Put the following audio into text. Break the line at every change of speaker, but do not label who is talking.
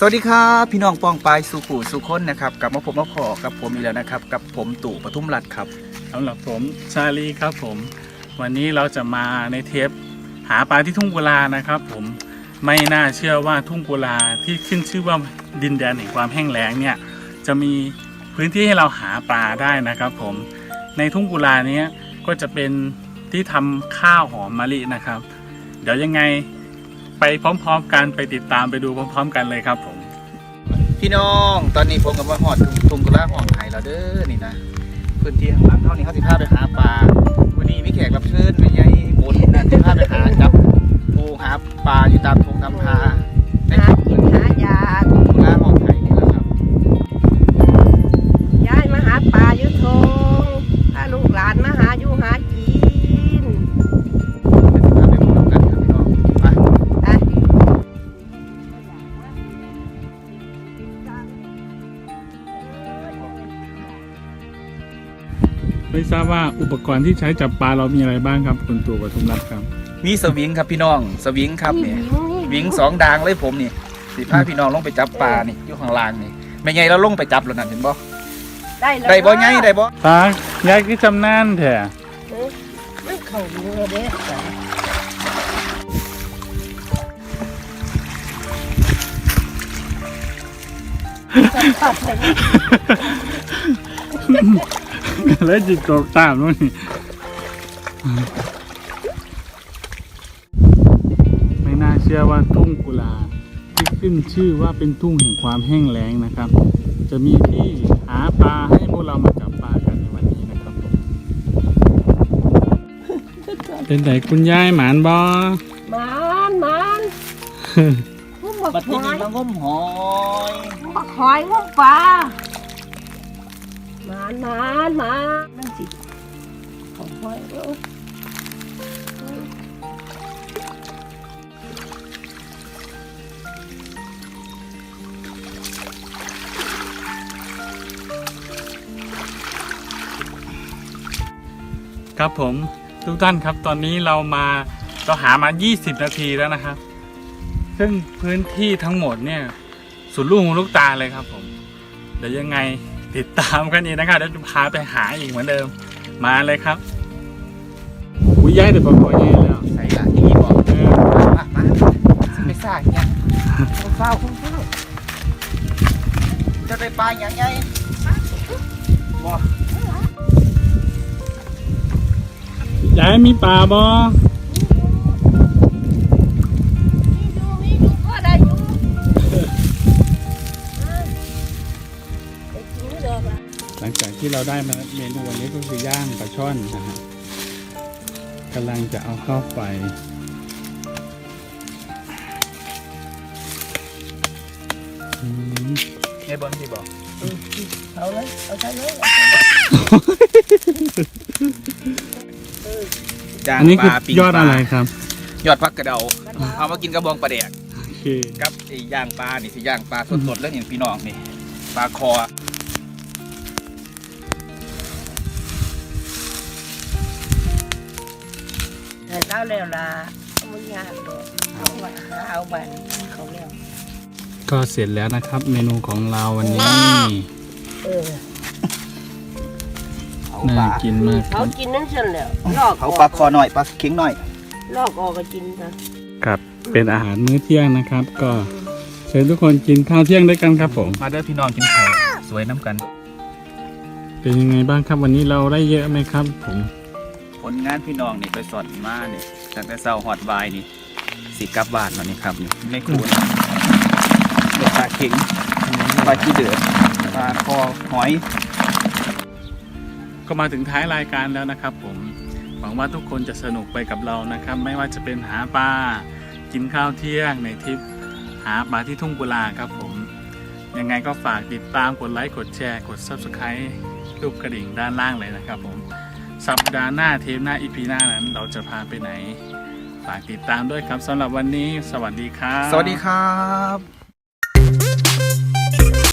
สวัสดีครับพี่น้องปองปายสุขุสุคนนะครับกลับมาพบมาพอกับผมอีกแล้วนะครับกับผมตู่ปทุมรัตน์ครับ
สำหรับผมชาลีครับผมวันนี้เราจะมาในเทปหาปลาที่ทุ่งกุลานะครับผมไม่น่าเชื่อว่าทุ่งกุลาที่ขึ้นชื่อว่าดินแดนแห่งความแห้งแล้งเนี่ยจะมีพื้นที่ให้เราหาปลาได้นะครับผมในทุ่งกุลานี้ก็จะเป็นที่ทำข้าวหอมมะลินะครับเดี๋ยวยังไงไปพร้อมๆกันไปติดตามไปดูพร้อมๆกันเลยครับผม
พี่น้องตอนนี้ผมกับว่าหอดทุ่งกุลาห้องไห่แล้วเด้อนี่นะพื้นที่ข้างหลังเท่านี้เขาสิพาไปหาปลาวันนี้มีแขกรับเชิญไม่ใหญ่บนนะสิพาไปหาจับปูหาปลาอยู่ตามทงตามทาในพื้นที่
หายา
ทุ่งกุลาห้องไห่นี่แหละครับ
ย้ายมาหาปลาอยู่ทงพาลูกหลานมาหาอยู่หากิน
เดี๋ยวสิพาไปพบกันครับพี่น้องไป
ไม่ทราบว่าอุปกรณ์ที่ใช้จับปลาเรามีอะไรบ้างครับคุณตู่ปทุมรัตน์ครับ
มีสวิงครับพี่น้องสวิงครับเนี่ยวิง2 ดางเลยผมนี่สิพาพี่น้องลงไปจับปลานี่อยู่ข้างล่างนี่ไม่ไงเราลงไปจับแล้วนั่นเห็นบ่ได้บ่ไงได้บ่
ตายายคือจำนานแท้
มันเข้าเรือเด้ตัดเลย
แล้วจิตตกตามนู่นนี่ไม่น่าเชื่อว่าทุ่งกุลาที่ขึ้นชื่อว่าเป็นทุ่งแห่งความแห้งแล้งนะครับ จะมีที่หาปลาให้พวกเรามาจับปลากันในวันนี้นะครับผมเป็นไหนคุณยายหมานบอ
มันงุ้มบัก
บัด
ห
นี้
อย
มางมหอย
บักหอยงุ้มปลามันนั่นสิของหอยเออ
ครับผมทุกท่านครับตอนนี้เราหามา20 นาทีแล้วนะครับ ซึ่งพื้นที่ทั้งหมดเนี่ยสุดลูกหูลูกตาเลยครับผมเดี๋ยวยังไงติดตามกันอีกนะครับเดี๋ยวจะพาไปหาอีกเหมือนเดิมมาเลยครับอุ้ยย้ายเดี๋ยวบอกย้ายแล้ว
ใส่ละนี่บ่มาสิไปซ่าเนี่ยเฝ้าจะได้ปลาอย่างไงบ่
ย้ายมีปลาบ่
มีดูพ่อได้อยู่ไปกินเด้อล่ะ
หลังจากที่เราได้มาเมนูวันนี้ก็คือย่างปลาช่อนนะฮะกำลังจะเอาเข้าไฟ
ไอ้บอลที่บอก
เอาเลยเอาใช้เลย
อันนี้คือยอดอะไรครับ
ยอดพักกระเดาเอามากินกระบองปลาแดก
โอเค
กับไอ้ย่างปลานี่สิย่างปลาสดๆแล้วเห็นพี่น้องนี่ปลาคอ
เอาแล้วล่ะมึงยากดอกเอาไว้เอาไปเขาแล้ว
ก็เสร็จแล้วนะครับ เมนูของเราวันนี้
เออ
น่ากินมากค
เขา
รับ
กินนั่นเสร็จแล้วลอก
เขาปลาคอหน่อยปลาเข็งหน่อย
ลอกออกก็กินค่ะ
ครับเป็นอาหารมื้อเที่ยงนะครับ ก็เชิญทุกคนกินข้าวเที่ยงด้วยกันครับผม
มาเด้อพี่น้องกินข้าวสวยน้ำกัน
เป็นยังไงบ้างครับวันนี้เราได้เยอะไหมครับผม
ผลงานพี่น้องนี่ไปสอนมาเนี่ยตั้งแต่เช้าฮอดบ่ายนี่สิกลับบ้านแล้วนี่ครับนี่ไม่ควรปลาเข็งปลาขี้เดือดปลาคอหอย
ก็มาถึงท้ายรายการแล้วนะครับผมหวังว่าทุกคนจะสนุกไปกับเรานะครับ ไม่ว่าจะเป็นหาปลากินข้าวเที่ยงในทริปหาปลาที่ทุ่งกุลาครับผมยังไงก็ฝากติดตามกดไลค์กดแชร์กด Subscribe รูปกระดิ่งด้านล่างเลยนะครับผมสัปดาห์หน้าเทปหน้าอีพีหน้านั้นเราจะพาไปไหนฝากติดตามด้วยครับสำหรับวันนี้สวัสดีครับ
สวัสดีครับ